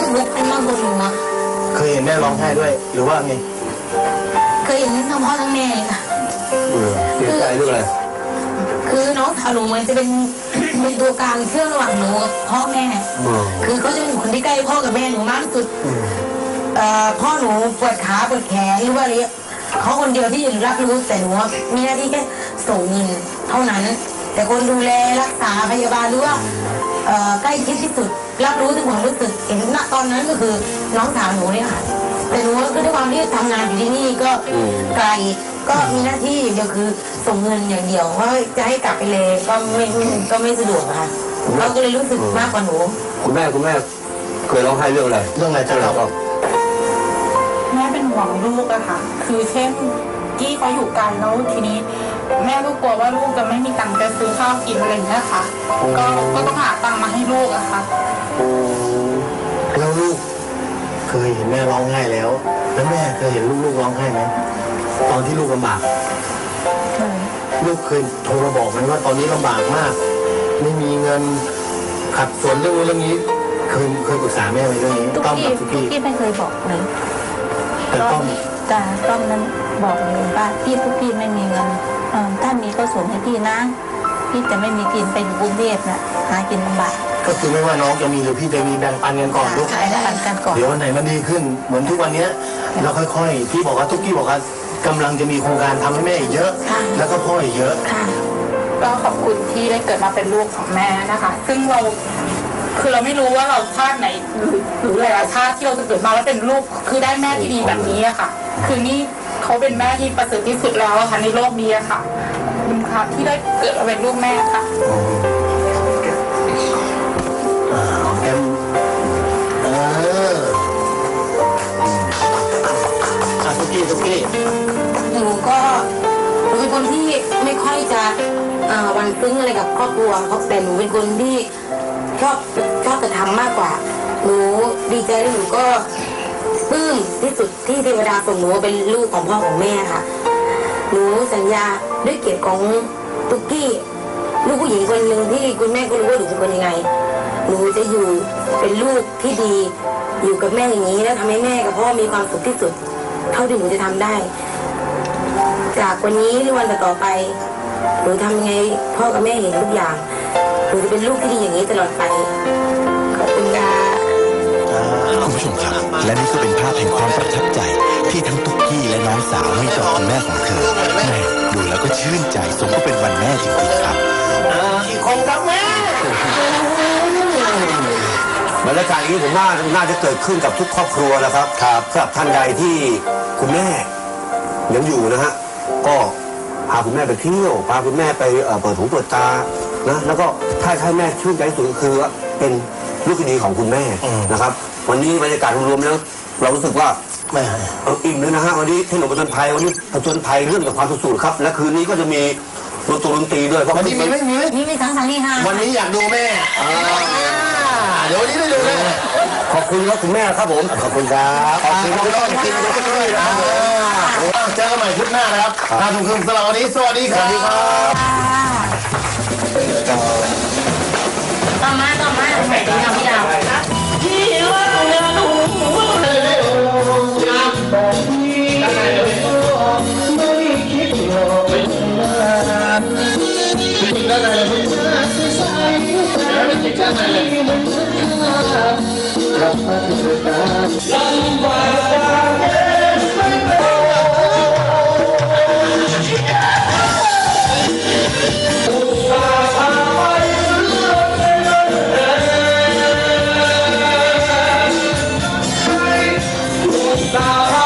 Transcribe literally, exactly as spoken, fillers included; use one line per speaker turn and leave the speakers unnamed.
ลุกขึ้นมาบนหัว
เคยเห็นแม่ร้องไห้ด้วยหรือว่าไง
เคยเห็นทั้งพ่อทั้งแม่ค่ะ
เสียใจด้วยอะไร
คือน้องสาวหนูมันจะเป็นเป็นตัวกลางเชื่อมระหว่างหนูกับพ่อแม่คือเขาจะเป็นคนที่ใกล้พ่อกับแม่หนูมากที่สุดพ่อหนูปวดขาปวดแขนหรือว่าอะไรเขาคนเดียวที่รับรู้แต่หนูมีหน้าที่แค่ส่งเงินเท่านั้นแต่คนดูแลรักษาพยาบาลหรือว่าใกล้ชิดที่สุดรับรู้ถึงความรู้สึกเห็นณตอนนั้นก็คือน้องสาวหนูเนี่ยค่ะแต่หนูก็ด้วยความที่ทำงานอยู่ที่นี่ก็ไกลก็มีหน้าที่อย่างเดียวคือส่งเงินอย่างเดียวว่าจะให้กลับไปเลยก็ไม่ก็ไม่สะดวกค่ะเราก็เลยรู้สึกมากกว่าหนู
คุณแม่คุณแม่เคยร้องไห้เรื่องอะไรเรื่องอะไรเจ้าเรา
แม่เป็นห่วงลูกอะค่ะคือเช่นกี้เขาอยู่ไกลแล้วทีนี้แม่ก็กลัวว่าลูกจะไม่มีตังค์จะซื้อข้าวกินอะไรอย่างเงี้ยค่ะก็ก็ต้องหาตังค์มาให้ลูกอะค่ะ
แล้วลูกเคยเห็นแม่ร้องไห้แล้วแล้วแม่เคยเห็นลูกลูกร้องไห้ไหมตอนที่ลูกลำบากลูกเคยโทรมาบอกมันว่าตอนนี้ลำบากมากไม่มีเงินขัดสนเรื่องนี้เรื่องนี้เคยเคยปรึกษาแม่ไหมเรื่องนี้
ต้องกับทุกพี่พี่ไม่เคยบอกเลย
แต่ต้อง
จ้าต้องนั้นบอกเลยว่าพี่ทุกพี่ไม่มีเงินถ้ามีก็ส่งให้พี่นะพี่จะไม่มีกินไปอยู่กรุงเทพน่ะหากินลำบาก
ก็คือไม่ว่าน้องจะมีหรือพี่จะมีแบ่งปันกันก่อนลูก
ใช่แบ่งปันกันก่อน
เดี๋ยววันไหนมันดีขึ้นเหมือนทุกวันนี้เราค่อยๆพี่บอกว่าทุกพี่บอกว่ากำลังจะมีโครงการทำให้แม่อีกเยอะแล้วก็พ่ออีกเยอะ
ก็ขอบคุณที่ได้เกิดมาเป็นลูกของแม่นะคะซึ่งเราคือเราไม่รู้ว่าเราชาติไหนหรือหลายชาติที่เราจะเกิดมาแล้วเป็นลูกคือได้แม่ที่ดีแบบนี้อะค่ะคือนี่เขาเป็นแม่ที่ประเสริฐที่สุดแล้วค่ะในโลกนี้อะค่ะคุณค่ะที่ได้เกิดมาเป็นลูกแม่ค่ะ
แอมเอออ่ะทุกทีทุกที
หนูก็หนูเป็นคนที่ไม่ค่อยจะวันซึ้งอะไรกับครอบครัวเขาแต่หนูเป็นคนที่ชอบชอบจะทำมากกว่าหนูดีใจและหนูก็ปลื้มที่สุดที่เทวดาส่งหนูเป็นลูกของพ่อของแม่ค่ะหนูสัญญาด้วยเกียรติของตุ๊กกี้ลูกผู้หญิงคนหนึ่งที่คุณแม่ก็รู้ว่าหนูเป็นคนยังไงหนูจะอยู่เป็นลูกที่ดีอยู่กับแม่อย่างนี้แล้วทำให้แม่กับพ่อมีความสุขที่สุดเท่าที่หนูจะทำได้จากวันนี้หรือวันต่อไปหนูทำยังไงพ่อกับแม่เห็นทุกอย่างหนูจะเป็นลูกที่ดีอย่างนี้ตลอดไปขอบคุณค่ะ
คุณผู้ชมครับและนี่ก็เป็นภาพแห่งความประทับใจที่ทั้งตุ๊กกี้และน้องสาวให้ต่อคุณแม่ของเธอแม่ดูแล้วก็ชื่นใจสมก็เป็นวันแม่จริงๆครับ
อีกคนครับแม่บรรยากาศนี้ผมว่าน่าจะเกิดขึ้นกับทุกครอบครัวนะครับครับสำหรับท่านใดที่คุณแม่ยังอยู่นะฮะก็พาคุณแม่ไปเที่ยวพาคุณแม่ไปเปิดหูเปิดตานะแล้วก็ถ้าให้แม่ชื่นใจสุดคือเป็นลูกที่ดีของคุณแม่นะครับวันนี้บรรยากาศรวมๆแล้วเรารู้สึกว่าแม่อิ่มเลยนะฮะวันนี้ถนนประจนภัยวันนี้ประจนภัยเรื่องกับความสุขครับและคืนนี้ก็จะมีดนตรีดนตรีด้วยเพราะวันนี้มีไม่มี
มีมีทั้งทั้งนี่ค่ะ
วันนี้อยากดูแม่เดี๋ยววันนี้ได้ดูแม่ขอบคุณครับคุณแม่ครับผมขอบคุณครับขอบคุณครับต้องกินก็ช่วยนะเจอกันใหม่คลิปหน้านะครับทางทุกคนสำหรับวันนี้สวัสดีครับ
ต่อมาต่อมาใส่ดีนะพี่ดาวที่ว่าเงินหูเลยไม่คิดหรอกได้ไหมได้ไหม